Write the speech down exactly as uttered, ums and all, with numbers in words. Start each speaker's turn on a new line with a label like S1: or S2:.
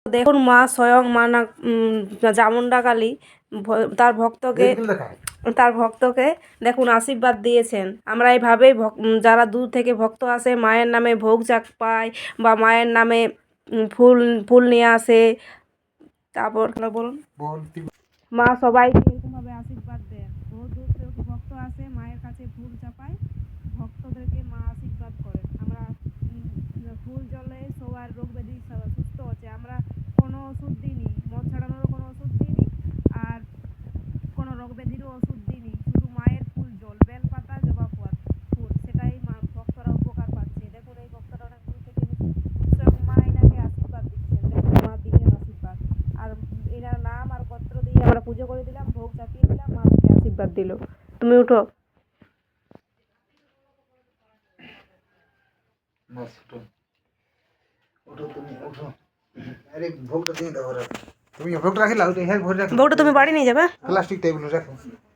S1: দেখুন মা স্বয়ং মা না চামুন্ডা কালী তার ভক্তকে তার ভক্তকে দেখুন আশীর্বাদ দিয়েছেন। আমরা এইভাবেই যারা দূর থেকে ভক্ত আসে মায়ের নামে ভোগ চাক পায় বা মায়ের নামে ফুল ফুল নিয়ে আসে। তারপর বলুন মা সবাইকে এরকমভাবে আশীর্বাদ দেন। বহু দূর থেকে ভক্ত আসে মায়ের কাছে ফুল চাপায়, ভক্তদেরকে মা আশীর্বাদ করেন। আমরা ফুল জলে সবার রোগ ব্যাধি সুস্থ হচ্ছে। আমরা কোনো ওষুধ দিইনি, মদ ছাড়ানোরও কোনো ওষুধ দিইনি আর কোনো রোগ ব্যাধিরও ওষুধ দিইনি, শুধু মায়ের ফুল জল বেলপাতা জবা ফুল সেটাই মা ভক্তরা উপকার পাচ্ছে। দেখুন এই ভক্তরা অনেক দূর থেকে স্বয়ং মা এনাকে আশীর্বাদ দিচ্ছেন। দেখুন মা দিলেন আশীর্বাদ আর এনার নাম আর গোত্র দিয়ে আমরা পুজো করে দিলাম, ভোগ চাপিয়ে দিলাম, মা তাকে আশীর্বাদ দিল। তুমি উঠো। ভোগটা তুমি বাড়ি নিয়ে যাবে।
S2: প্লাস্টিক টেবিল রাখো।